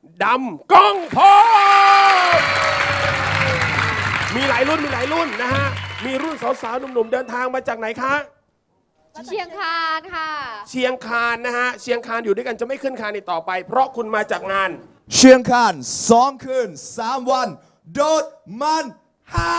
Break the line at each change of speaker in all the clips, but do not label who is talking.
ดำก้องพบมีหลายรุ่นนะฮะมีรุ่นสาวๆหนุ่มๆเดินทางมาจากไหนคะ
เชียงคานค่ะ
เชียงคานนะฮะเชียงคานอยู่ด้วยกันจะไม่ขึ้นคานอีกต่อไป เพราะคุณมาจากงาน
เชียงคาน2 คืน 3 วัน โดดมันฮา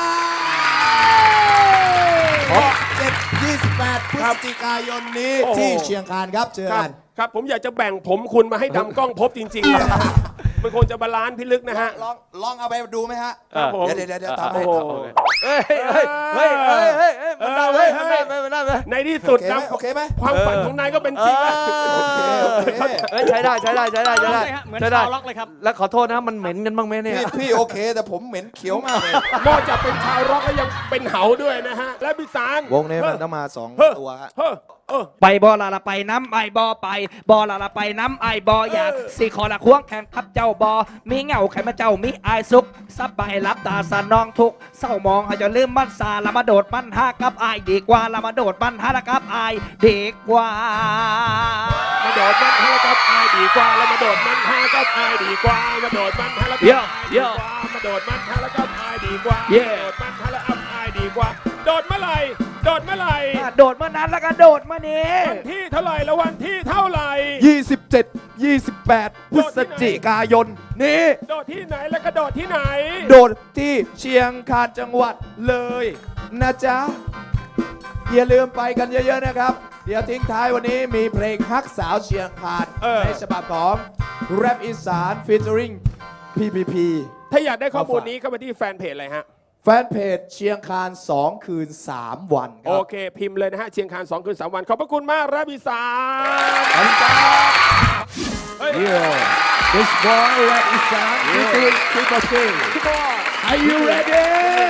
7-28 พฤศจิกายนนี้ที่เชียงคานครับเจอกัน
ครับผมอยากจะแบ่งผมคุณมาให้ดำกล้องพบจริงๆนะฮะมันควรจะบาลานซ์พิลึกนะฮะ
ลองเอาไปดูไหมฮะเดี๋ยวทำให้
เฮ้ยมันได้เว้ยมันได้
ในที่สุดดำ
โอเคไหม
ความฝันของนายก็เป็นจริงแล้ว
ใช้ได้เห
มือนชาวล็อกเลยครับ
แล้วขอโทษนะมันเหม็นกันบ้างไหมเนี่ย
พี่โอเคแต่ผมเหม็นเขียวมากเลย
นอกจากเป็นชาวร็อกแล้วยังเป็นเหาด้วยนะฮะและพิสาร
วงนี้มันต้องมา2 ตัวฮะ
ไปบอละไปน้ำไอบอไปบอละไปน้ำไอบออยากสี่คอละควงแข่งขับเจ้าบอมีเงาใครมาเจ้ามีไอซุกซับไปรับตาสนองทุกเศร้ามองให้จะลืมมันซาละมาโดดมันหากับไอดีกว่าละมาโดดมันหากับไอดีกว่า
มาโดดมันหากับไอดีกว่าแล้วมาโดดมันหากับไอดีกว่ามาโดดมันหาแล้วกับไอดีกว่ามาโดดมันหาแล้วกับไอดีกว่าโดดมันหาแล้วกับไอดีกว่าโดดเมื่อไหร่โดดเมื่อไหร่
โดดเมื่อนั้นแล้วก็โดดเมื่อนี้
วันที่เท่าไหร่แล้ววันที่เท่าไหร่
27-28 พฤศจิกายนนี้
โดดที่ไหนแล้วก็โดดที่ไหน
โดดที่เชียงคานจังหวัดเลยนะจ๊ะอย่าลืมไปกันเยอะๆนะครับเดี๋ยวทิ้งท้ายวันนี้มีเพลงฮักสาวเชียงคานในฉบับของแรปอีสานฟีเจอริง PPP
ถ้าอยากได้ข้อมูลนี้เข้าไปที่แฟนเพจอะไรฮะ
แฟนเพจเชียงคาน2 คืน 3 วันครับ
โอเคพิมพ์เลยนะฮะเชียงคาน2 คืน 3 วันขอบพระคุณมากรับอีสาน
This boy rap is on Triple K Are you ready?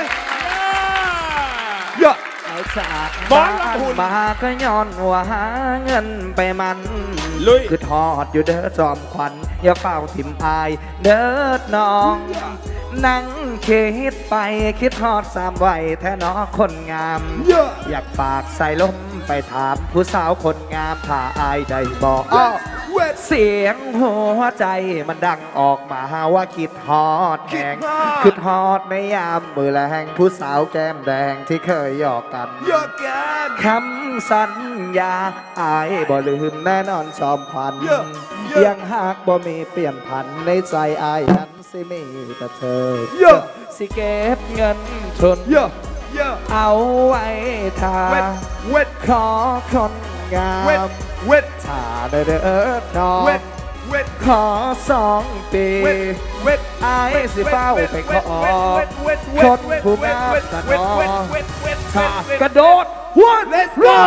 Yeah
บอลมาก็ย้อนว่าหาเงินไปมันคือทอดอยู่เด้อจอมขวัญอย่าเฝ้าถิ่มอายเด้อน้องนั่งคิดไปคิดทอด3 วัยแท้น้อคนงามอยากฝากใส่ลมไปถามผู้สาวคนงามถ้าอายได้บอกเสียงหัวใจมันดังออกมาว่าคิดฮอดแหงคิดฮอดในยามมือแรงผู้สาวแก้มแดงที่เคยหยอกกันคำสัญญาอายบ่ลืมแน่นอนจอมขวัญยังหากบ่มีเปลี่ยนผันในใจอายนั้นสิมีแต่เธอสิเก็บเงินทุนเอาไว้ถ้าขอคนงามถ้าได้เด้อน้องขอ2 ปีไอ้สิเฝ้าไปขอคนผู้งามกันน้องถ้ากระโดด Let's go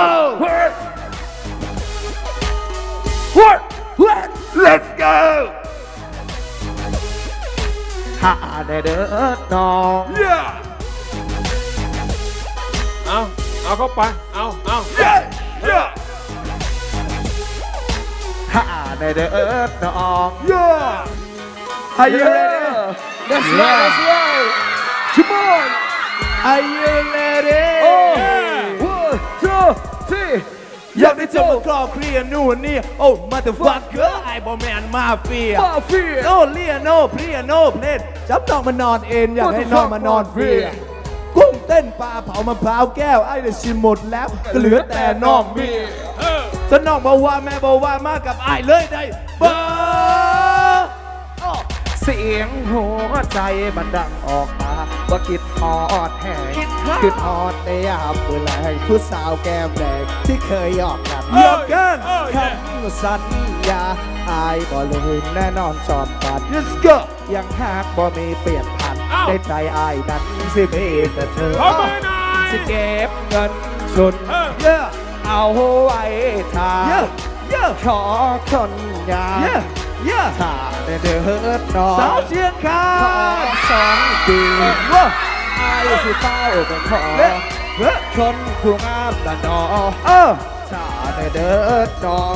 Let's go ถ้าได้เด้อน้อง
เอาเข้าไปเอา
ถ้าได้เด้อน้อง
Are you ready? Let's roll Come on Are you ready?
1 2 3อยากได้เจอมากรอบเคลียร์นู่นนี่โอ้ motherfucker ไอ้บอแมนมาเฟียโนเลียโนเพลียโนเพลน
จับน้องมานอนเอ็นอยากให้น้องมานอนฟรีกุ้งเต้นปลาเผามะพร้าวแก้วไอ้ได้ชิมหมดแล้วก็เหลือแต่น้องมีจะน้องบอกว่าแม่บอกว่ามากับไอ้เลยได้เบอร์
เสียงหัวใจมันดังออกมาว่าคิดฮอดแหงคิดฮอดในยามเวลาผู้สาวแก้มแดงที่เคยหยอกกันคำสัญญาอายบ่ลืมแน่นอนจอมกัน
Let's go
ยังหากบ่มีเปลี่ยนผันในใจอายนั้นสิมีแต่เธอสิเก็บเงินสุดเอาไว้ทาขอคนงามถ้าได้เดินน้อง
สาวเชียงคา
นขอ2 ปีอายสิเฝ้าไปขอคนผู้งามละน้องถ้าได้เดินน้อง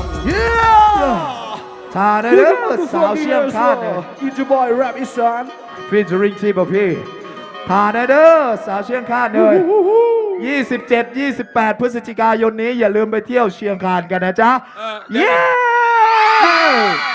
ถ้าได้เดินสาวเชียงคานเนี่ย
It's your boy Rap Isan
featuring TPP ถ้าได้เดินสาวเชียงคานเลย27-28 พฤศจิกายนนี้อย่าลืมไปเที่ยวเชียงคานกันนะจ๊ะ